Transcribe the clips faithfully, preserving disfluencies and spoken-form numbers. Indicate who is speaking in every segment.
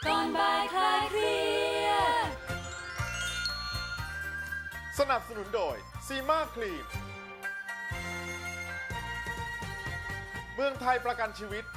Speaker 1: ก่อนบ่ายคลายเครียด
Speaker 2: สนับสนุนโดยซีมาครีมเมืองไทยประกันชีวิต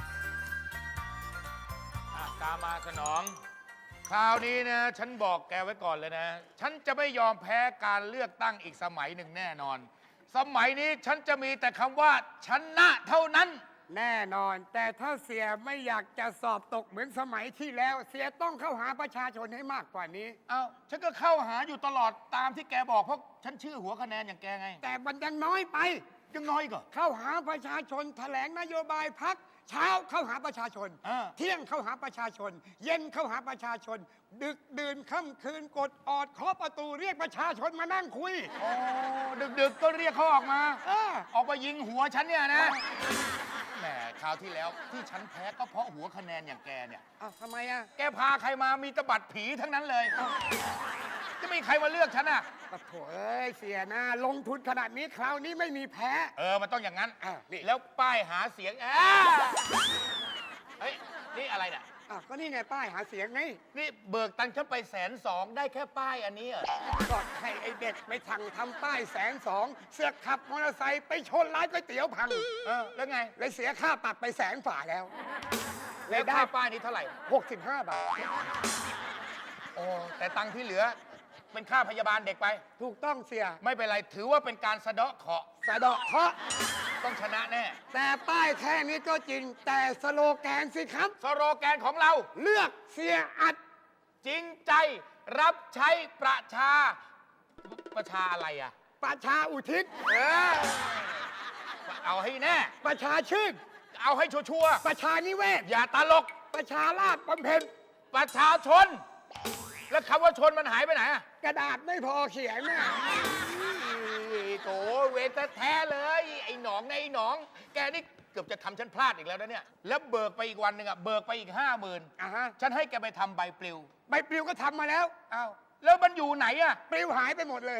Speaker 3: ตามมาสนอง คราวนี้นะฉันบอกแกไว้ก่อนเลยนะ ฉันจะไม่ยอมแพ้การเลือกตั้งอีกสมัยหนึ่งแน่นอน สมัยนี้ฉันจะมีแต่คำว่าชนะเท่านั้น
Speaker 4: แน่นอน แต่ถ้าเสียไม่อยากจะสอบตกเหมือนสมัยที่แล้ว เสียต้องเข้าหาประชาชนให้มากกว่านี้
Speaker 3: เอาฉันก็เข้าหาอยู่ตลอดตามที่แกบอกเพราะฉันชื่อหัวคะแนนอย่างแกไง
Speaker 4: แต่มันยังน้อยไป
Speaker 3: ยังน้อยก็
Speaker 4: เข้าหาประชาชนแถลงนโยบายพักเช้าเข้าหาประชาชน
Speaker 3: อ่า
Speaker 4: เที่ยงเข้าหาประชาชน เย็นเข้าหาประชาชน ดึกดื่นค่ำคืนกดออดเคาะประตูเรียกประชาชนมานั่งคุย
Speaker 3: โอ้ดึกๆก็เรียกเขาออกมา
Speaker 4: เออ
Speaker 3: ออกมายิงหัวฉันเนี่ยนะแหมคราวที่แล้วที่ฉันแพ้ก็เพราะหัวคะแนนอย่างแกเนี่ย
Speaker 4: อ้าวทำไมอ่ะ
Speaker 3: แกพาใครมามีแตบัดผีทั้งนั้นเลย จะมีใครมาเลือกฉันอ่ะ
Speaker 4: ปะโถเอ้ยเสียนะลงทุนขนาดนี้คราวนี้ไม่มีแพ้
Speaker 3: เออ มันต้องอย่างนั้น
Speaker 4: อ่ะนี่
Speaker 3: แล้วป้ายหาเสียงแอะเฮ้ย นี่อะไรเนี่ย
Speaker 4: อ่ะก็นี่ไงป้ายหาเสียงไง
Speaker 3: นี่เบิกตังค์ฉันไปแสนสองได้แค่ป้ายอันนี้เหรอ
Speaker 4: ก็ให้ไอ้เด็กไปสั่งทำป้ายแสนสองเสือกขับมอเตอร์ไซค์ไปชนร้านก๋วยเตี๋ยวพัง
Speaker 3: เออ แล้วไง
Speaker 4: เลยเสียค่าปรับไปแสนฝ่าแล้ว
Speaker 3: แล้วค่าป้ายนี้เท่าไหร่
Speaker 4: หกสิบห้าบาท
Speaker 3: โอ้ แต่ตังค์ที่เหลือ เป็นค่าพยาบาลเด็กไป
Speaker 4: ถูกต้องเสีย
Speaker 3: ไม่เป็นไร ถือว่าเป็นการสะเดาะเคราะห์
Speaker 4: สะเดาะเคราะห์
Speaker 3: ต้องชนะแน่
Speaker 4: แต่ป้ายแค่นี้ก็จริง แต่สโลแกนสิครับ
Speaker 3: สโลแกนของเรา
Speaker 4: เลือกเสียอัด
Speaker 3: จริงใจรับใช้ประชา ประชาอะไรอ่ะ
Speaker 4: ประชาอุทิศ
Speaker 3: เออ เอาให้แน่
Speaker 4: ประชาชื่น
Speaker 3: เอาให้ชัวร์
Speaker 4: ประชานิเวศ
Speaker 3: ๆอย่าตลก
Speaker 4: ประชาราษฎร์บำเพ็ญ
Speaker 3: ประชาชน แล้วคำว่าชนมันหายไปไหนอะ
Speaker 4: กระดาษไม่พอเขียนน่ะ
Speaker 3: โถเวทแท้ๆเลย ไอ้หนองนะไอ้หนอง แกนี่เกือบจะทำฉันพลาดอีกแล้วนะเนี่ย แล้วเบิกไปอีกวันหนึ่งอะเบิกไปอีกห้าหมื่น
Speaker 4: อ่ะฮะ
Speaker 3: ฉันให้แกไปทำใบปลิว
Speaker 4: ใบปลิวก็ทำมาแล้ว
Speaker 3: อ้าวแล้วมันอยู่ไหนอะ
Speaker 4: ปลิวหายไปหมดเลย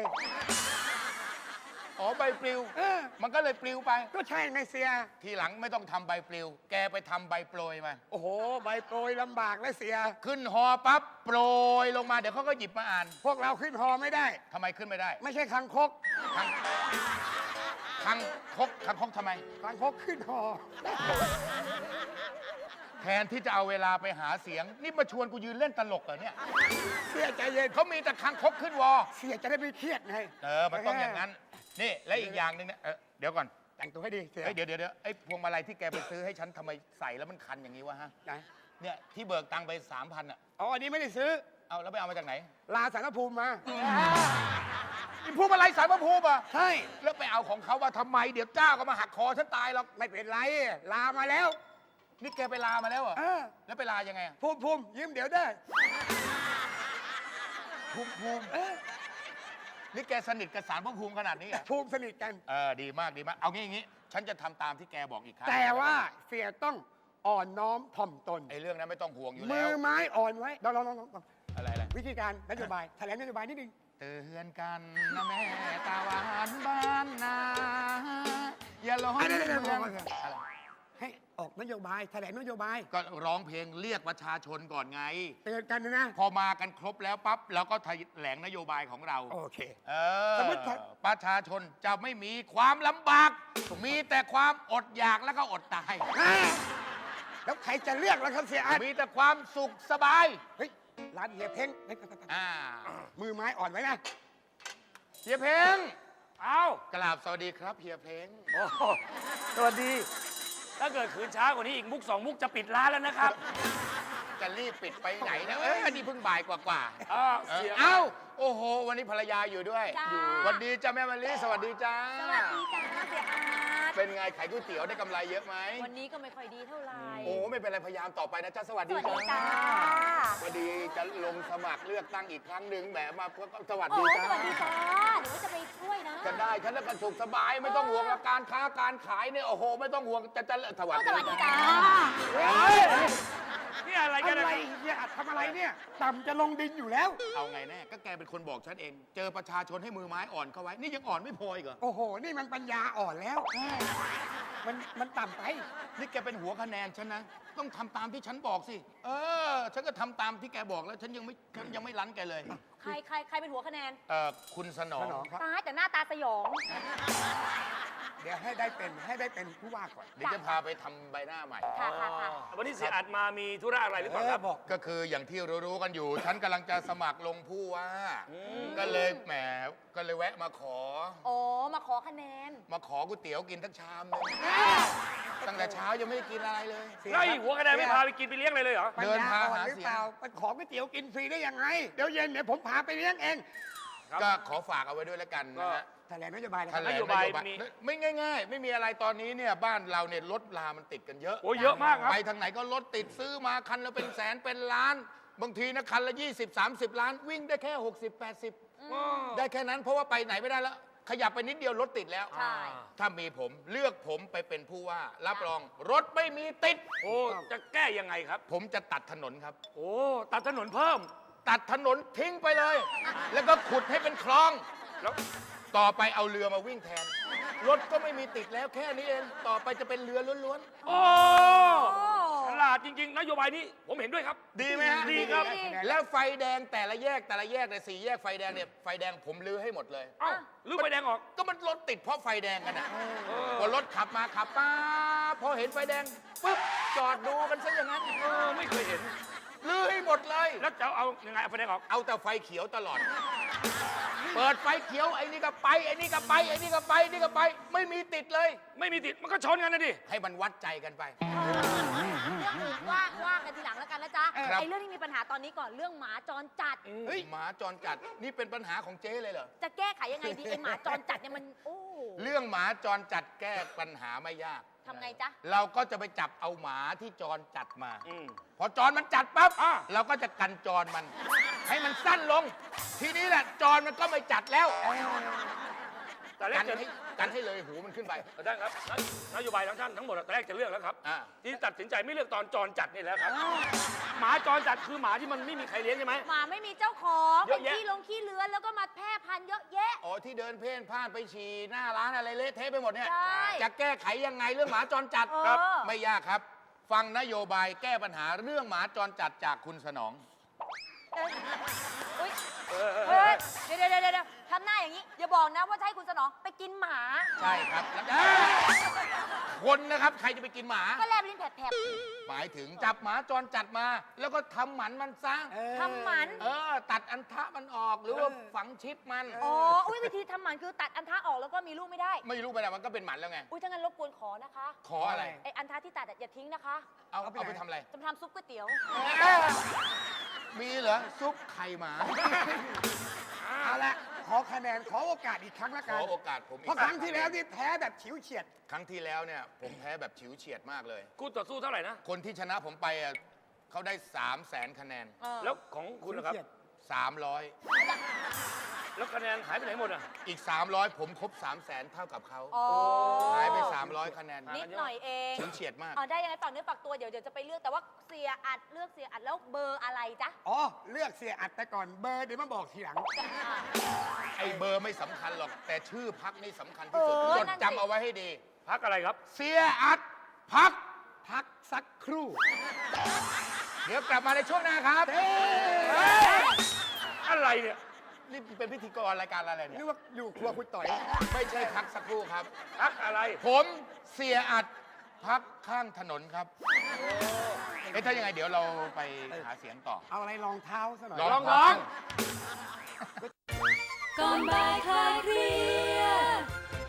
Speaker 3: อ๋อใบปลิว
Speaker 4: เออ
Speaker 3: มันก็เลยปลิวไป
Speaker 4: ก็ใช่ไงเสีย
Speaker 3: ทีหลังไม่ต้องทำใบปลิว แกไปทำใบโปรยมา
Speaker 4: โอ้โห ใบโปรยลำบากแล้วเสีย
Speaker 3: ขึ้นฮอปั๊บโปรยลงมาเดี๋ยวเขาก็หยิบมาอ่าน
Speaker 4: พวกเราขึ้นฮอไม่ได้
Speaker 3: ทำไมขึ้นไม่ได้
Speaker 4: ไม่ใช่คังคก
Speaker 3: คังคังคกคังคกทำไม
Speaker 4: คังคกขึ้นฮอ
Speaker 3: แทนที่จะเอาเวลาไปหาเสียง นี่มาชวนกูยืนเล่นตลกเหรอเนี่ย
Speaker 4: เสียใจเย็น
Speaker 3: เขามีแต่คังคกขึ้นวอ
Speaker 4: เสียจะได้ไม่เครียดไง
Speaker 3: เออ มันต้องอย่างนั้น นี่ และอีกอย่างหนึ่งเนี่ยเออเดี๋ยวก่อน
Speaker 4: แต่งตัวให้ดีเสีย
Speaker 3: เฮ้ยเดี๋ยวเดี๋ยวเดี๋ยวไอ้พวงมาลัยที่แกไปซื้อให้ฉันทำไมใส่แล้วมันคันอย่างนี้วะฮะ
Speaker 4: ไหน
Speaker 3: เนี่ยที่เบิกตังค์ไปสามพันอ่ะ
Speaker 4: อ๋ออันนี้ไม่ได้ซื้อ
Speaker 3: เอาแล้วไปเอามาจากไหน
Speaker 4: ลาสารภูมิมา
Speaker 3: นี่พวงมาลัยสายพระภูมิอ่ะ
Speaker 4: ใช่
Speaker 3: แล้วไปเอาของเขาว่าทำไม เดี๋ยวเจ้าก็มาหักคอฉันตายหรอก
Speaker 4: ไม่เป็นไร ลามาแล้ว
Speaker 3: นี่แกไปลามาแล้วเหรอ
Speaker 4: เออ
Speaker 3: แล้วไปลายังไงอะ
Speaker 4: ภูมิภูมิยืมเดี๋ยวได้
Speaker 3: ภูมิภูมิ
Speaker 4: เออ
Speaker 3: นี่แกสนิทกับสารพระภูมิขนาดนี้เหรอ
Speaker 4: ภูมิสนิทกัน
Speaker 3: เออ ดีมากดีมาก เอางี้อย่างงี้ ฉันจะทำตามที่แกบอกอีกครั้ง
Speaker 4: แต่ว่าเสียต้องอ่อนน้อมถ่อมตน
Speaker 3: ไอ้เรื่องนั้นไม่ต้องห่วงอยู่
Speaker 4: มื
Speaker 3: แล้ว
Speaker 4: อไม้อ่อนไว้ลองลองลองลอง
Speaker 3: อะไรอะไร
Speaker 4: วิธีการนโยบายแถลงนโยบายนิดนึง
Speaker 3: เตือนกันนะแม่ตาหวานบ้านนาอย่าร้อง
Speaker 4: อ่ะเดี๋ยวเดี๋ยว
Speaker 3: เมือง
Speaker 4: เดี๋ยว
Speaker 3: อะไร
Speaker 4: ให้ออกนโยบายแถลงนโยบาย
Speaker 3: ก็ร้องเพลงเรียกประชาชนก่อนไง
Speaker 4: เตือนกันนะ
Speaker 3: พอมากันครบแล้วปั๊บเราก็แถลงนโยบายของเรา
Speaker 4: โอเค
Speaker 3: เออ
Speaker 4: สมมุติถ้า
Speaker 3: ประชาชนจะไม่มีความลำบาก มีแต่ความอดอยากแล้วก็อดตาย
Speaker 4: อ่าแล้วใครจะเลือกแล้วครับเสียอัน
Speaker 3: มีแต่ความสุขสบาย
Speaker 4: เฮ้ยร้านเฮียเพ้งเฮ้ย
Speaker 3: อ่า
Speaker 4: มือไม้อ่อนไว้นะ
Speaker 3: เฮียเพ้ง
Speaker 5: เอา
Speaker 3: กราบสวัสดีครับเฮียเพ้ง
Speaker 5: โอ้โหสวัสดี ถ้าเกิดขืนช้ากว่านี้อีกมุกสองมุกจะปิดร้านแล้วนะครับ
Speaker 3: จะรีบปิดไปไหนนะเอ้ยอันนี้เพิ่งบ่ายกว่าๆ
Speaker 5: เออ
Speaker 3: เออ
Speaker 5: เสีย
Speaker 3: เอ้า โอ้โห วันนี้ภรรยาอยู่ด้วย
Speaker 1: จ้า
Speaker 3: อยู่สวัสดีจ้าแม่มะลิสวัสดีจ้า
Speaker 1: สวัสดีจ้าเสียอาร์ต
Speaker 3: เป็นไงขายก๋วยเตี๋ยวได้กำไรเยอะไหม
Speaker 1: วันนี้ก็ไม่ค่อยดีเท่าไหร่
Speaker 3: โอ้ไม่เป็นไรพยายามต่อไปนะจ้าสวัส
Speaker 1: ส
Speaker 3: ดี
Speaker 1: วัสดี
Speaker 3: จ้า
Speaker 1: จ้า
Speaker 3: สวัสดีจะลงสมัครเลือกตั้งอีกครั้งหนึ่งแหมมาสวัส
Speaker 1: โอ้
Speaker 3: ดี
Speaker 1: ส
Speaker 3: จ้า
Speaker 1: วัสดีจ้าเดี๋ยวจะไปช่วยนะ
Speaker 3: จะได้ฉันแล้วก็สุขสบายไม่ต้องห่วงกับการค้าการขายเนี่ยโอ้โหไม่ต้องห่วงจะจะสวัส
Speaker 1: โอ้
Speaker 3: ดี
Speaker 1: สวัสดีจ้า
Speaker 5: เฮ้ยนี่อะไรกัน
Speaker 4: อะไร
Speaker 5: นะ
Speaker 4: เนี่ยอัดทำอะไรเนี่ย ต่ำจะลงดินอยู่แล้ว
Speaker 3: เอาไงแน่ ก็แกเป็นคนบอกฉันเอง เจอประชาชนให้มือไม้อ่อนเข้าไว้ นี่ยังอ่อนไม่พออีกเหรอ
Speaker 4: โอ้โห นี่มันปัญญาอ่อนแล้ว มันมันต่ำไป
Speaker 3: นี่แกเป็นหัวคะแนนฉันนะ ต้องทำตามที่ฉันบอกสิ เออ ฉันก็ทำตามที่แกบอกแล้ว ฉันยังไม่ฉันยังไม่รั้นแกเลย
Speaker 1: ใครใครใครเป็นหัวคะแนน
Speaker 3: เออคุณสนอง
Speaker 4: สนองครับ
Speaker 1: ตายแต่หน้าตาสยอง
Speaker 4: เดี๋ยวให้ได้เป็นให้ได้เป็นผู้ว่าก่อน
Speaker 3: เดี๋ยวจะพาไปทำใบหน้าใหม่
Speaker 1: ค่ะค่ะค่ะ
Speaker 5: วันนี้เสียอัดมามีธุระอะไรหรือเปล่าครับ
Speaker 4: เออบอก
Speaker 3: ก็คืออย่างที่รู้ๆกันอยู่ ฉันกำลังจะสมัครลงผู้ว่า ก็เลยแหม ก็เลยแวะมาขอ
Speaker 1: โอ้มาขอคะแนน
Speaker 3: มาขอก๋วยเตี๋ยวกินทักชามหนึงตั้งแต่เช้ายังไม่ได้กินอะไรเลย
Speaker 4: เสีย
Speaker 5: ไล่หัวคะแนนไม่พาไปกินไปเลี้ยงเลยเลยเหรอ
Speaker 4: ปัญ
Speaker 3: เดิน
Speaker 4: ญา
Speaker 3: พา
Speaker 4: อ่อน
Speaker 3: หา
Speaker 4: หรือ
Speaker 3: เสียง
Speaker 4: เปล่าไปขอก๋วยเตี๋ยวกินฟรีได้ยังไง เดี๋ยวเย็นเดี๋ยวผมพาไปเลี้ยงเอง
Speaker 5: ครับ
Speaker 3: ก็ขอฝากเอาไว้ด้วยแล้วกันนะฮะ
Speaker 4: แถลงนโยบายนะค
Speaker 3: แถ
Speaker 4: รับ
Speaker 3: ลง
Speaker 5: น
Speaker 3: น
Speaker 5: โย
Speaker 3: โย
Speaker 5: บาย
Speaker 3: บาย
Speaker 5: มี
Speaker 3: ไม่ง่ายๆ ไม่มีอะไรตอนนี้เนี่ยบ้านเราเนี่ยรถรามันติดกันเยอะ
Speaker 5: โอ้เยอะมากครับ
Speaker 3: ไปทางไหนก็รถติดซื้อมาคันละเป็นแสนเป็นล้าน บางทีนะคันละยี่สิบ สามสิบ ล้าน วิ่งได้แค่ หกสิบ แปดสิบ ได้แค่นั้นเพราะว่าไปไหนไม่ได้แล้ว ขยับไปนิดเดียวรถติดแล้ว
Speaker 1: ใช่
Speaker 3: ถ้ามีผมเลือกผมไปเป็นผู้ว่า รับรองรถไม่มีติด
Speaker 5: โอ้จะแก้ยังไงครับ
Speaker 3: ผมจะตัดถนนครับ
Speaker 5: โอ้ตัดถนนเพิ่ม
Speaker 3: ตัดถนนทิ้งไปเลย แล้วก็ขุดให้เป็นคลอง
Speaker 5: แล้ว
Speaker 3: ต่อไปเอาเรือมาวิ่งแทน รถก็ไม่มีติดแล้วแค่นี้เอง ต่อไปจะเป็นเรือล้วน
Speaker 5: โอ้ฉลาดจริง ๆ นโยบายนี้ผมเห็นด้วยครับ
Speaker 3: ๆ ดีไหมฮะ
Speaker 5: ดีครับ
Speaker 3: แล้วไฟแดงแต่ละแยกแต่ละแยกในยสี่แยกไฟแดงเนี่ยไฟแดงผมลื้อให้หมดเลย
Speaker 5: เอ้าลืมไฟแดงออก
Speaker 3: ก็มันรถติดเพราะไฟแดงกันอ่ะ
Speaker 5: เออ
Speaker 3: พอรถขับมาขับป้าพอเห็นไฟแดงปุ๊บจอดดูกันซะอย่างนั้น
Speaker 5: เออไม่เคยเห็น
Speaker 3: ลื้อให้หมดเลย
Speaker 5: แล้วจะเอายังไงเอาไฟแดงออก
Speaker 3: เอาแต่ไฟเขียวตลอด เปิดไฟเขียวไอ้นี่ก็ไปไอ้นี่ก็ไปไอ้นี่ก็ไปไอ้นี่ก็ไป ไม่มีติดเลย
Speaker 5: ไม่มีติดมันก็ชนกันนะดิ
Speaker 3: ให้มันวัดใจกันไป
Speaker 1: เรื่องอื่นว่าว่ากันทีหลังแล้วกันนะจ๊ะ
Speaker 3: ครับ
Speaker 1: ไอ้เรื่องที่มีปัญหาตอนนี้ก่อนเรื่องหมาจรจัด
Speaker 3: เฮ้ยหมาจรจัดนี่เป็นปัญหาของเจ๊เลยเหรอ
Speaker 1: จะแก้ไขยังไงดีไอ้หมาจรจัดเนี่ยมันโอ้
Speaker 3: เรื่องหมาจรจัดแก้ปัญหาไม่ยาก
Speaker 1: ทำไงจ๊ะ
Speaker 3: เราก็จะไปจับเอาหมาที่จรจัดมา
Speaker 5: อืม
Speaker 3: พอจรมันจัดปั๊บ
Speaker 5: อ่ะ
Speaker 3: เราก็จะกันจรมัน ให้มันสั้นลง ทีนี้แหละจรมันก็ไม่จัดแล้ว
Speaker 5: แต่แร
Speaker 3: กั
Speaker 5: ก
Speaker 3: น
Speaker 5: จะ
Speaker 3: ให้กันให้เลยหูมันขึ้นไป
Speaker 5: ท่านครับนโยบายทั้งท่านทั้งหมดแต่แรกจะเลือกแล้วครับ
Speaker 3: อ่า
Speaker 5: ที่ตัดสินใจไม่เลือกตอนจรจัดนี่แหละครับ หมาจรจัดคือหมาที่มันไม่มีใครเลี้ยงใช่ไหม
Speaker 1: หมาไม่มีเจ้าของ
Speaker 5: เย
Speaker 1: เป็
Speaker 5: อะ
Speaker 1: น
Speaker 5: แยะ
Speaker 1: ขี้ลงขี้เลื้อนแล้วก็มาแพร่พันธุ์เยอะแยะ
Speaker 3: อ๋อที่เดินเพ่นพ่านไปฉี่หน้าร้านอะไรเละเทะไปหมดเนี่ย
Speaker 1: ใช่
Speaker 3: จะแก้ไขยังไงเรื่องหมาจรจัด
Speaker 1: เออ
Speaker 3: ครับ ไม่ยากครับ ฟังนโยบายแก้ปัญหาเรื่องหมาจรจัดจากคุณสนอง
Speaker 1: เอ้ยอุ๊ย
Speaker 5: เออเออเอ
Speaker 1: เฮ้
Speaker 5: อย
Speaker 1: เดี๋ยวเดี๋ยวเดี๋ยวเดี๋ยวทำหน้าอย่างนี้ อย่าบอกนะว่าจะให้คุณสนองไปกินหมา
Speaker 3: ใช่ครับแล้วเอ้ยคนนะครับใครจะไปกินหมา
Speaker 1: ก็แลบลิ้นแผลบ
Speaker 3: หมายถึงจับหมาจรจัดมา แล้วก็ทำหมันมันซะ
Speaker 1: ๆทำหมัน
Speaker 3: เออ ตัดอันทะมันออกหรือว่าฝังชิปมัน
Speaker 1: อ๋อ อุ้ยวิธีทำหมันคือตัดอันทะออกแล้วก็มีลูกไม่ได้
Speaker 3: ไม่รู้ไปไหนมันก็เป็นหมันแล้วไง
Speaker 1: อุ้ยถ้างั้นรบกวนขอนะคะ
Speaker 3: ขออะไร
Speaker 1: ไออันทะที่ตัดอะอย่าทิ้งนะคะ
Speaker 3: เอาเอาไปทำอะไร
Speaker 1: จะมาทำซุปก๋วยเตี๋ยว
Speaker 3: มีเหรอ ซุปไข่หมา
Speaker 4: เอาละขอคะแนนขอโอกาสอีกครั้งละ
Speaker 3: ข
Speaker 4: กั
Speaker 3: อน โอกาสผมอีก
Speaker 4: เพราะครั้งที่แล้วนี่แพ้แบบฉิวเฉียด
Speaker 3: ครั้งที่แล้วเนี่ย ผมแพ้แบบฉิวเฉียดมากเลย
Speaker 5: คู่ต่อสู้เท่าไหร่นะ
Speaker 3: คนที่ชนะผมไปอ่ะเขาได้3 0 0แสนคะแนน
Speaker 1: เออ
Speaker 5: แล้วของคุณนะครับ
Speaker 3: สามร้อย
Speaker 5: แล้วคะแนนหายไปไหนหมดอ่ะ
Speaker 3: อีก สามร้อย ผมครบ 3 0 0แสนเท่ากับเขา
Speaker 1: อ๋อ
Speaker 3: หายไป สามร้อย คะแนน
Speaker 1: นิดหน่อยเอง
Speaker 3: ฉิวเฉียดมาก
Speaker 1: อ๋อได้ยังไงฝากเนื้อฝากตัวเดี๋ยวเดี๋ยวจะไปเลือกแต่ว่าเสียอัดเลือกเสียอัดแล้วเบอร์อะไรจ๊ะ
Speaker 4: อ๋อ เลือกเสียอัดไปก่อนเบอร์เดี๋ยวมาบอกทีหลัง
Speaker 1: อ่า
Speaker 3: ไอ้เบอร์ไม่สำคัญหรอก แต่ชื่อพักนี่สำคัญที่สุด
Speaker 1: เออ
Speaker 3: จด
Speaker 1: นั่นสิ
Speaker 3: จำเอาไว้ให้ดี
Speaker 5: พักอะไรครับ
Speaker 3: เสียอัดพัก
Speaker 4: พักสักครู่
Speaker 3: เดี๋ยวกลับมาในช่วงหน้าครับ
Speaker 5: อะไรเนี่ย
Speaker 3: นี่เป็นพิธีกรรายการอะไรเนี่
Speaker 4: นึ
Speaker 3: ย
Speaker 4: กว่าอยู่ครัวคุณต่อย
Speaker 3: ไม่ใช่พักสักครู่ครับ
Speaker 5: พักอะไร
Speaker 3: ผมเสียอัดพักข้างถนนครับเอ๊ะถ้ายังไงเดี๋ยวเราไปหาเสียงต่อ
Speaker 4: เอาอะไรรองเท้าซะหน่อย
Speaker 3: ลอง
Speaker 5: ลองร้อง
Speaker 6: ก่อนบ่ายคลายเครียด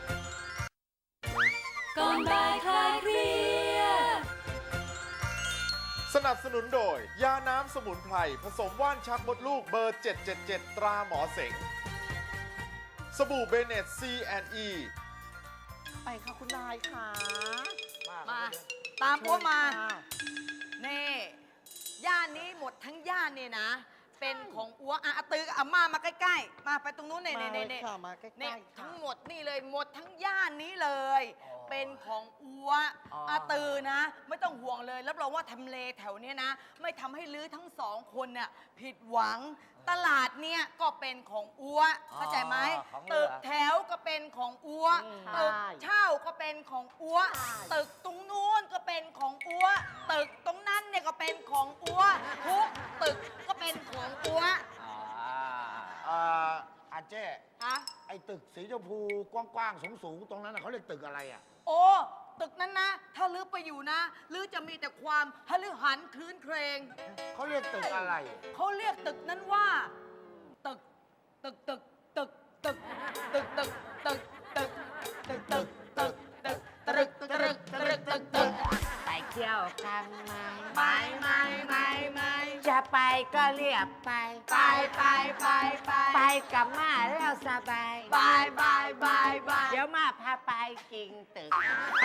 Speaker 6: ก่อนบ่ายคลายเครียด
Speaker 2: สนับสนุนโดย ยาน้ำสมุนไพร ผสมว่านชักมดลูกเบอร์ เจ็ดเจ็ดเจ็ด ตราหมอเสง สบู่เบเนต ซี แอนด์ อี
Speaker 7: ไปค่ะคุณนายค่ะ
Speaker 1: มา
Speaker 7: ตามพวกมา นี่ย่านนี้หมดทั้งย่านนี่นะ เป็นของอัวอาอาตือกับอาม่ามาใกล้ๆ มาไปตรงนู้นเน่
Speaker 8: มา
Speaker 7: เน่
Speaker 8: เล
Speaker 7: เน่
Speaker 8: ย
Speaker 7: เน่
Speaker 8: ค่ะมาใกล้
Speaker 7: เนี่ย
Speaker 8: ๆ
Speaker 7: ทั้
Speaker 8: ค่ะ
Speaker 7: งหมดนี่เลยหมดทั้งย่านนี้เลย
Speaker 8: อ
Speaker 7: เป็นของอัว
Speaker 8: อ๋อ
Speaker 7: อาตือนะ ไม่ต้องห่วงเลยรับรองว่าทำเลแถวเนี้ยนะ ไม่ทำให้ลือทั้งสองคนเนี่ยผิดหวัง ตลาดเนี่ยก็เป็นของอัวเข้าใจไหม
Speaker 8: ของเหลื
Speaker 7: ตึ
Speaker 8: อ
Speaker 7: กแถวก็เป็นของอัว
Speaker 8: อืม
Speaker 7: ตึก
Speaker 8: ใช่
Speaker 7: เช่าก็เป็นของอัวตึกตรงนู้นก็เป็นของอัวตึกตรงนั้นเนี่ยก็เป็นของอัวทุกตึกก็เป็นของอัว
Speaker 8: อ๋อ
Speaker 9: เอ่ออาเจ้
Speaker 7: ฮะ
Speaker 9: ไอ้ตึกสีชมพูกว้างๆสูงๆตรงนั้นน่ะเขาเรียกตึกอะไรอ่ะ
Speaker 7: โอ้ตึกนั้นนะ ถ้าลือไปอยู่นะลือจะมีแต่ความฮลือหันคลื้นเครง
Speaker 9: เขาเรียกตึกอะไร
Speaker 7: เขาเรียกตึกนั้นว่า ตึก ตึกตึกตึกตึกตึกตึกตึกตึกตึกตึกตึกตึกตึกตึกตึกตึกตึก
Speaker 8: ไปเที่ยวกันไหม
Speaker 7: ไม่ไม่ไม่ไม่
Speaker 8: จะไปก็เรียบไป
Speaker 7: ไปไปไปไป
Speaker 8: ไปกับมาแล้วสบาย
Speaker 7: บายบายบายบาย
Speaker 8: เดี๋ยวมาพาไปกินตึก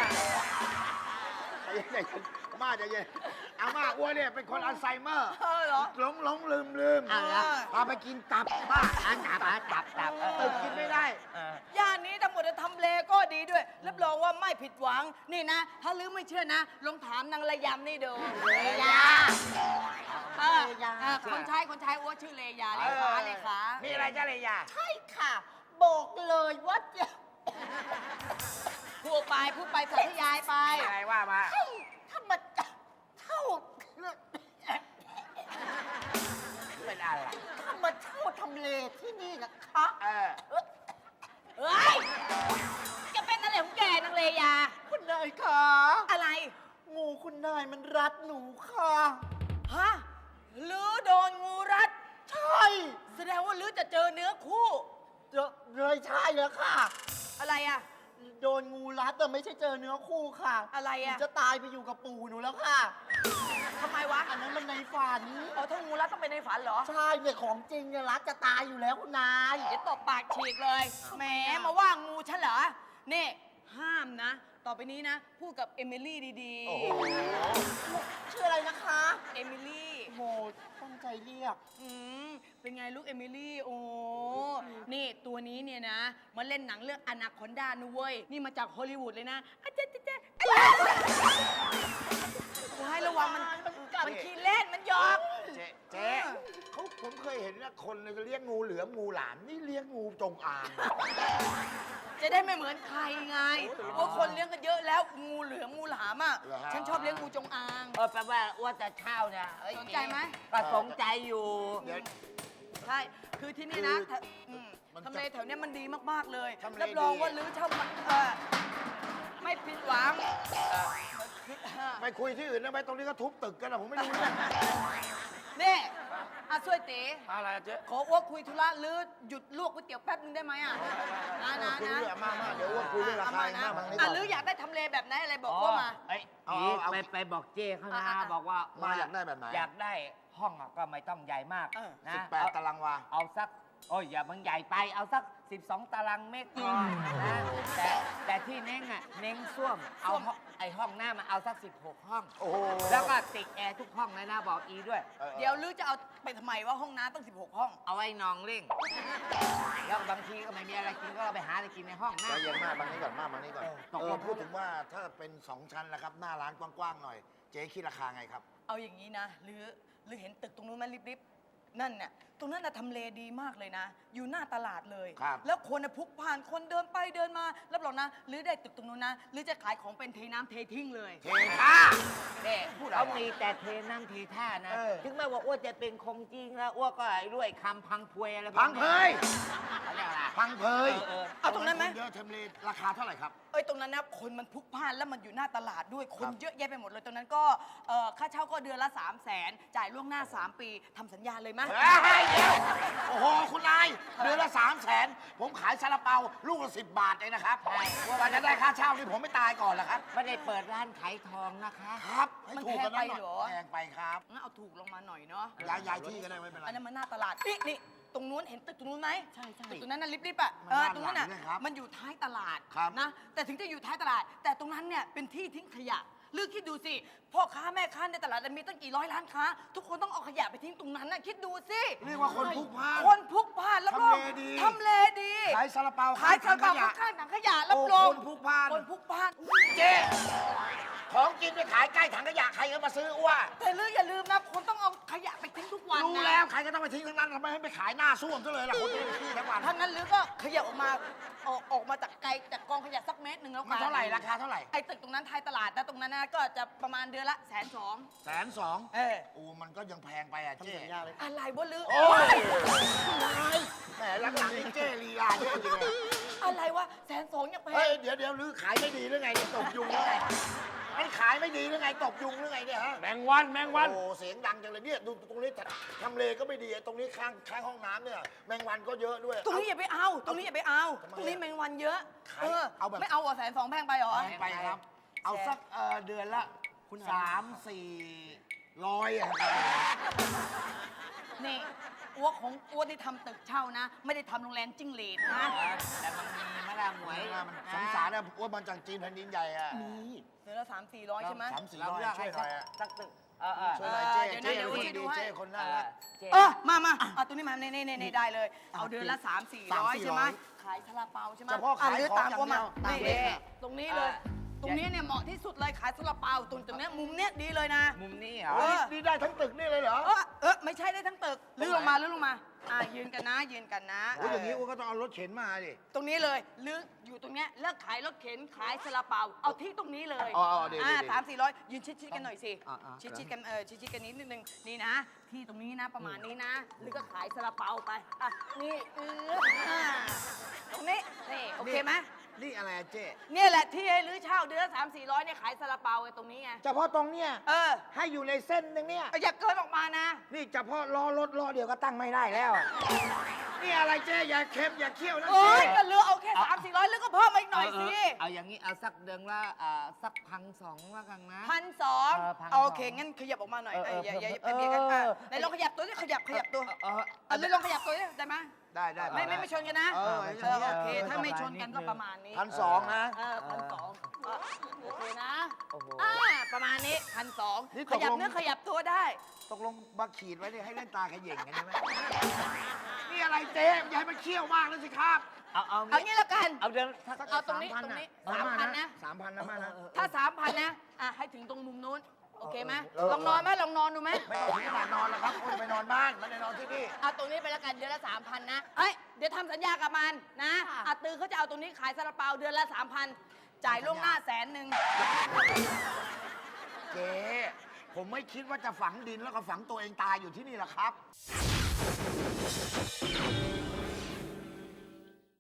Speaker 9: ใจเย็นๆมาใจเย็นอาม่าอ้วนเนี่ยเป็นคนอัลไซเมอร์
Speaker 7: เออเหรอ
Speaker 9: หลงหลงลืมลืม
Speaker 8: เอาเหรอ
Speaker 9: พาไปกินตับบ้า
Speaker 8: อันตับอ่ะตับตับเออ
Speaker 9: ตึกกินไม่ได้
Speaker 8: เออย่
Speaker 7: านนี้ทั้งหมดจะทำเลก็ดีด้วย รับรองว่าไม่ผิดหวัง นี่นะ ถ้าลือไม่เชื่อนะ ลองถามนางระยำนี่ดู
Speaker 8: เลยา
Speaker 7: เออเออคนใช้คนใช้อ้วชื่อเลยาเลขาเลขา
Speaker 8: มีอะไรจ้าเลยา
Speaker 7: ใช่ค่ะ บอกเลยว่าจะพูดไปพูดไปสาธยายไป
Speaker 8: มีอะไรว่ามา
Speaker 7: ถ้ามันเช่า
Speaker 8: เป็นอะไร
Speaker 7: ถ้ามาเช่าทำเลที่นี่นะคะ
Speaker 8: เออ
Speaker 7: เฮ้ยจะเป็นอะไรของแกนางเลยา
Speaker 9: คุณนายคะ
Speaker 7: อะไร
Speaker 9: งูคุณนายมันรัดหนูค่ะ
Speaker 7: ฮะหรือโดนงูรัด
Speaker 9: ใช่
Speaker 7: แสดงว่าลือจะเจอเนื้อคู่
Speaker 9: เจอเลยใช่แล้วค่ะ
Speaker 7: อะไรอะ
Speaker 9: โดนงูรัดแต่ไม่ใช่เจอเนื้อคู่ค่ะ
Speaker 7: อะไรอะ
Speaker 9: หนูจะตายไปอยู่กับปู่หนูแล้วค่ะ
Speaker 7: ทำไมวะ
Speaker 9: อันนั้นมันในฝัน
Speaker 7: อ๋อถ้างูรัดต้องเป็นในฝันเหรอ
Speaker 9: ใช่เนี่ยของจริงเนี่ยรัดจะตายอยู่แล้วคุณนาย
Speaker 7: เดี๋ยวตบปากฉีกเลย แหมมาว่างูฉันเหรอ นี่ ห้ามนะ ต่อไปนี้นะ พูดกับเอมิลี่ดี
Speaker 9: โอ้โห ชื่ออะไรนะคะ
Speaker 7: ๆ เอมิลี่
Speaker 9: โอ้โหตั้งใจเรียก
Speaker 7: อืมเป็นไงลูกเอมิลี่ โอ้ นี่ตัวนี้เนี่ยนะ มาเล่นหนังเรื่องอนาคอนดานะเว้ย นี่มาจากฮอลลีวูดเลยนะอาเจ๊เจ๊เจ๊กูให้ระวังมัน มันขี้เล่น มันหยอก
Speaker 9: เจ๊เจ๊เขาผมเคยเห็นนะคนเนี่ยเลี้ยงงูเหลือมงูหลามนี่เลี้ยงงูจงอาง
Speaker 7: จะได้ไม่เหมือนใครไงเพราะคนเลี้ยงกันเยอะแล้ว งูเหลือมงูหลามอ่ะ
Speaker 9: เหรอฮะ
Speaker 7: ฉันชอบเลี้ยงงูจงอาง
Speaker 8: เออแปลว่าว่าจะเช่าเนี่ยเอ้ย
Speaker 7: สนใจไหม
Speaker 8: ก็สนใจอยู่
Speaker 9: เดี๋ยว
Speaker 7: ใช่ คือที่นี่นะ
Speaker 9: คือ
Speaker 7: ถ้าอืม
Speaker 9: มันจะ
Speaker 7: ทำเลแถวเนี้ยมันดีมาก ๆ เลย
Speaker 9: ทำเล
Speaker 7: รับรอง
Speaker 9: ดี
Speaker 7: ว่าลื้อเช่ามันเออไม่ผิดหวังเออ
Speaker 9: ไปคุยที่อื่นนะไปตรงนี้ก็ทุบตึกกันนะผมไม่รู้เรื่อง
Speaker 7: นี่อาช่วยเต๋
Speaker 5: อะไรอะเจ๊
Speaker 7: ขออ้วกคุยธุระลื้อหยุดลวกก๋วยเตี๋ยวแป๊บนึงได้ไหมอ่ะนะนะ
Speaker 9: คุย
Speaker 7: นะ
Speaker 9: เรื่องมามาเดี๋ยวว่าคุยเรื่องราคา
Speaker 7: นะ
Speaker 9: หน้ามังนี่
Speaker 7: อ่ะ
Speaker 9: ก่อน
Speaker 7: ลื้ออยากได้ทำเลแบบไหนอะไรบอกว่ามา
Speaker 8: เอ้ย
Speaker 9: เอา
Speaker 8: อี
Speaker 9: เอา
Speaker 8: ไปไปบอกเจ้เขานะ
Speaker 7: อ่ะอ่ะ
Speaker 8: บอกว่า
Speaker 9: มาอยากได้แบบไหน
Speaker 8: อยากได้ห้องอะก็ไม่ต้องใหญ่มาก
Speaker 7: เออ
Speaker 8: นะ
Speaker 9: สิบแปด
Speaker 8: เอา
Speaker 9: ตารางวา
Speaker 8: เอาสัก โอ้ยอย่ามันใหญ่ไป เอาสัก สิบสอง ตารางเมตรพอนะแต่แต่ที่เน้งอ่ะ เน้งส้วม เอาห้องไอห้องหน้ามาเอาสัก สิบหก ห้อง
Speaker 9: โอ้โห
Speaker 8: แล้วก็ติดแอร์ทุกห้องเลยนะ บอกอีด้วย
Speaker 9: ออ
Speaker 7: เดี๋ยวลื้อจะเอาไปทำไมว่าห้องน้ำตั้งสิบหกห้อง
Speaker 8: เอาไว้นองเล่ง แล้วบางทีก็ไม่มีอะไรกินก็เราไปหาอะไรกินในห้อง
Speaker 9: ใจ
Speaker 8: นะ
Speaker 9: เย็นมากบางนี้ก่อนมากบางนี้ก่อน
Speaker 8: เออตก
Speaker 9: เอ
Speaker 8: ล
Speaker 9: อง พูดถึงว่าถ้าเป็นสองชั้นนะครับ หน้าร้านกว้างๆหน่อย เจ๊คิดราคาไงครับ
Speaker 7: เอาอย่างนี้นะหรือหรือเห็นตึกตรงนู้นไหมริบๆนั่นน่ะตรงนั้นน่ะทำเลดีมากเลยนะ อยู่หน้าตลาดเลย
Speaker 9: ครับ
Speaker 7: แล้วคนน่ะพลุกผ่านคนเดินไปเดินมารับรองนะหรือได้ตึกตรงนู้นนะหรือจะขายของเป็นเทน้ำเททิ้งเลย
Speaker 9: เทท่า
Speaker 8: เนี่ย
Speaker 9: พูดอะไร
Speaker 8: เขามีแต่เทน้ำเทท่านะ
Speaker 9: เออ
Speaker 8: ถึงแม้ว่าอ้วนจะเป็นคงจริงแล้วอ้วนก็ไอ้ด้วยคำพังพวยอะไรพวก
Speaker 9: พังเพย
Speaker 8: เขาเรียกอะไร
Speaker 9: พังเพย
Speaker 8: เออ
Speaker 7: เอาตรงนั้นไหม
Speaker 9: คเยอะทำเลราคาเท่าไหร่ครับ
Speaker 7: เอ้ยตรงนั้นนะคนมันพลุกพล่านแล้วมันอยู่หน้าตลาดด้วยคน
Speaker 9: ครับ
Speaker 7: เยอะแยะไปหมดเลยตรงนั้นก็เอ่อค่าเช่าก็เดือนละ3 0 0แสนจ่ายล่วงหน้า 3 ปีทำสัญญาเลยไหม
Speaker 9: เฮ้ยเดี๋ยวโอ้โห คุณนายเดือนละสามแสนผมขายซาลาเปาลูกละสิบบาทเองนะครับว่าจะได้ค่าเช่านี่ผมไม่ตายก่อนเหรอครับ
Speaker 8: ไม่ได้เปิดร้านขายทองนะคะ
Speaker 9: ครับให้ถูกกันหน่อย
Speaker 7: มันแพงไปเหรอ
Speaker 9: แพงไปครับ
Speaker 7: งั้นเอาถูกลงมาหน่อยเนาะ
Speaker 9: ย้ายย้ายที่ก็ได้ไม่เป็นไร
Speaker 7: อันนั้นมันหน้าตลาด นี่นี่ตรงนู้นเห็นตึกตรงนู้นไหม
Speaker 8: ใช่ใช่
Speaker 7: ตึกตรงนั้นน่ะริบๆอ่ะ
Speaker 9: มัน
Speaker 7: เออ
Speaker 9: ด้าน
Speaker 7: ตรงนั้นน่ะ
Speaker 9: หลังด้วยครับ
Speaker 7: มันอยู่ท้ายตลาด
Speaker 9: ครับ
Speaker 7: นะ แต่ถึงจะอยู่ท้ายตลาด แต่ตรงนั้นเนี่ยเป็นที่ทิ้งขยะลือคิดดูสิพ่อค้าแม่ค้าในตลาดมีตั้งกี่ร้อยร้านค้า ทุกคนต้องเอาขยะไปทิ้งตรงนั้นน่ะคิดดูสิ
Speaker 9: เรียกว่าคนพลุกพล่าน
Speaker 7: คนพลุกพล่านรับรอง
Speaker 9: ทำเลดี
Speaker 7: ทำเลดี
Speaker 9: ขายซาลาเปา
Speaker 7: ขายซาลาเปา
Speaker 9: ขายถังขยะ
Speaker 7: ข้างๆถังขยะรับรอง
Speaker 9: โอ้คนพลุกพล่าน
Speaker 7: คนพลุกพล่าน
Speaker 9: เจ๊ของกินไปขายใกล้ถังขยะใครก็มาซื้ออ้ว
Speaker 7: แต่ลืออย่าลืมนะคนต้องเอาขยะไปทิ้งทุกวันนะ
Speaker 9: รู้แล้วใครก็ต้องไปทิ้งทั้งนั้นทำไมให้ไปขายหน้าส้วมซะเลยล่ะคนที่ขี้ทั้งวัน
Speaker 7: ถ้างั้นลือก็ขยับออกมาออกออกมาจากไกลจากกองขยะสักเมตรหนึ่งแล้ว
Speaker 9: มั
Speaker 7: กัน น
Speaker 9: เท่าไหร่ราคาเท่าไหร่
Speaker 7: ไอ้ตึกตรงนั้นท้ายตลาดนะตรงนั้นนะก็จะประมาณเดือนละแสนสอง
Speaker 9: แสนสอง
Speaker 7: เออ
Speaker 9: โอ้มันก็ยังแพงไปอ่ะเจ๊
Speaker 7: อะไรวะลือ
Speaker 9: โอ้ยแหมหลังๆนี่เจ๊ลีลาเยอะจริงเลย
Speaker 7: อะไรวะแสนสองยังแพ
Speaker 9: เฮ้ย
Speaker 7: ง
Speaker 9: เดี๋ยวเดี๋ยวลือขายไม่ดีหรือไงเนี่ยตบยุงหรือไงมันขายไม่ดีหรือไงตบยุงหรือไงเนี่ยฮะ
Speaker 5: แมงวันแมงวัน
Speaker 9: โอ้เสียงดังจังเลยเนี่ยดูตรงนี้ทำเลก็ไม่ดีไอ้ตรงนี้ข้างข้างห้องน้ำเนี่ยแมงวันก็เยอะด้วย
Speaker 7: ตรงนี้อย่าไปเอา ตรงนี้อย่าไปเอา
Speaker 9: ทำไมอะ
Speaker 7: ตรงนี้แมงวันเยอะ
Speaker 9: ขาย
Speaker 7: เออ
Speaker 9: เอาแบบ
Speaker 7: ไม่เอาเหรอแสนสองแพงไปเหรอ
Speaker 9: เอาไปครับ เอาสักเอ่อเดือนละสามสี่ร้อยอะครับ
Speaker 7: นี่อ้วกของอ้วที่ทำตึกเช่านะ ไม่ได้ทำโรงแรมจิ้งหรีดนะ
Speaker 8: แต่มันมีมะละหมวย
Speaker 9: มันสงสารนะอ้วนมันจากจีนแผ่นดินใหญ่อะมี
Speaker 7: เดือนละสามสี่ร้อยใช่ไหม
Speaker 9: สามสี่
Speaker 8: เรา
Speaker 9: ร้อย
Speaker 8: เลือก
Speaker 9: ช่
Speaker 8: ให้
Speaker 9: วยหน่อยอะ
Speaker 8: สักตึกเออเออ
Speaker 9: ช่วยหน่อยเจ๊
Speaker 7: เดี๋ยวนะ
Speaker 9: เจ๊
Speaker 7: เดี๋ยว
Speaker 9: คนดี
Speaker 7: ดูให้
Speaker 9: เจ๊คนน่า
Speaker 8: เอ
Speaker 9: รั
Speaker 8: อก เจ๊
Speaker 7: เออมามาเอาตัวนี้มาเน่เน่เน่ได้เลย เอาเดือนละสามสี่ร้อย
Speaker 9: สามสี่
Speaker 7: ใช่ไหม
Speaker 9: ร้อย
Speaker 7: ขายซาลาเปาใช่ไหม
Speaker 9: เฉพาะขาย
Speaker 7: อ่หรือ
Speaker 9: ของ
Speaker 7: ตาม
Speaker 9: อย่าง
Speaker 7: กูมา
Speaker 9: เดียว
Speaker 7: นี่
Speaker 9: ตามเลข
Speaker 7: นี่ตรงนี้เลย ตรงนี้เนี่ยเหมาะที่สุดเลยขายซาลาเปาตรงตรงเนี้ยมุมเนี้ยดีเลยนะ
Speaker 8: มุมนี้เหรอ
Speaker 7: เออ
Speaker 9: นี่ได้ทั้งตึกนี่เลยเหรอ
Speaker 7: เออเออไม่ใช่ได้ทั้งตึกลื่นลงมาลื่นลงมาอ่ายืนกันนะยืนกันนะ
Speaker 9: โอ้ยอย่างนี้อ้วนก็ต้องเอารถเข็นมาดิ
Speaker 7: ตรงนี้เลยลึกอยู่ตรงเนี้ยเลิกขายรถเข็นขายซาลาเปาเอาที่ตรงนี้เลย
Speaker 9: อ๋ออ๋อดีดีดี
Speaker 7: สามสี่ร้อยยืนชิดๆกันหน่อยสิ
Speaker 9: อ่าอ่า
Speaker 7: ชิดๆกันเออชิดๆกันนิดนึงนี่นะ ที่ตรงนี้นะประมาณนี้นะลึกก็ขายซาลาเปาไปอ่ะนี่เอออ่าตรงนี้นี่โอเคไหม
Speaker 9: นี่อะไรอะเจ๊
Speaker 7: เนี่ยแหละที่ให้ลื้อเช่าเดือนละสามสี่ร้อยเนี่ยขายซาลาเปาไอ้ตรงนี้ไง
Speaker 9: เฉพาะตรงเนี้ย
Speaker 7: เออ
Speaker 9: ให้อยู่ในเส้นหนึงเนี่ย
Speaker 7: อย่าเกินออกมานะ
Speaker 9: นี่เฉพาะล้อรถล้อเดียวก็ตั้งไม่ได้แล้วอะนี่อะไรเจ๊อย่าเค็มอย่าเคี่ยวนะ
Speaker 7: โอ้
Speaker 9: เจ๊
Speaker 7: ยก็เหลือเอาแค่สามสี่ร้อยแล้วก็เพิ่มมาอีกหน่อยสิ
Speaker 8: เเอาอย่างนี้เอาสักเดือนละอ่าสักพันสองแล้วกันนะ
Speaker 7: พันสอง
Speaker 8: เออพันสอง
Speaker 7: โอเค งั้นขยับออกมาหน่อย
Speaker 8: เออ
Speaker 7: เอ้ยอย่าอย่าอย่า
Speaker 8: เออ
Speaker 7: เบียดกันอ่ะ
Speaker 8: เออ
Speaker 7: ไหนลองขยับตัวดิขยับขยับตัว
Speaker 8: เออ
Speaker 7: เอาเลยลองขยับตัวดิได้ไหม
Speaker 9: ได้ได้
Speaker 7: ไม่ไม่ไม่ชนกันนะ
Speaker 9: เออ
Speaker 7: เออโอเค
Speaker 8: เออ
Speaker 7: ถ้าไม่ชนกันก็
Speaker 8: นิดนึง
Speaker 7: ประมาณนี้
Speaker 9: พันสองนะ
Speaker 7: เออพันสองอ่ะโอเคนะ
Speaker 8: โอ้โห
Speaker 7: อ่าประมาณนี้พันสอง
Speaker 9: นี่
Speaker 7: ข
Speaker 9: ตกลง
Speaker 7: ยับเนื้อขยับตัวได้
Speaker 9: ตกลงมาขีดไว้เนี่ยให้เล่นตาขย่งกันใช่ไหมนี่อะไรเจ๊อย่าให้มันเคี่ยวมากเลยสิครับ
Speaker 8: เอาเอา
Speaker 7: เอางี้แล้วกัน
Speaker 8: เอาเดือนสัก
Speaker 7: เอาตรงนี้ตรงนี้สามพันนะ
Speaker 9: สามพันนะมานะ
Speaker 7: ถ้าสามพันนะอ่ะให้ถึงตรงมุมนู้นโอเคไหม
Speaker 9: เออ
Speaker 7: ลองนอนไหมลองนอนดูไหม
Speaker 9: ไม่ต้องถึงขนาดนอนแล้วครับโอ้ยไปนอนบ้านไม่ได้นอนที่นี่
Speaker 7: เอาตรงนี้ไปแล้วกันเดือนละสามพันนะเอ้ยเดี๋ยวทำสัญญากับมันนะอาตือเขาจะเอาตรงนี้ขายซาลาเปาเดือนละสามพันจ่ายล่วงหน้าแสนหนึ่ง
Speaker 9: เจ๊ผมไม่คิดว่าจะฝังดินแล้วก็ฝังตัวเองตายอยู่ที่นี่หรอกครับ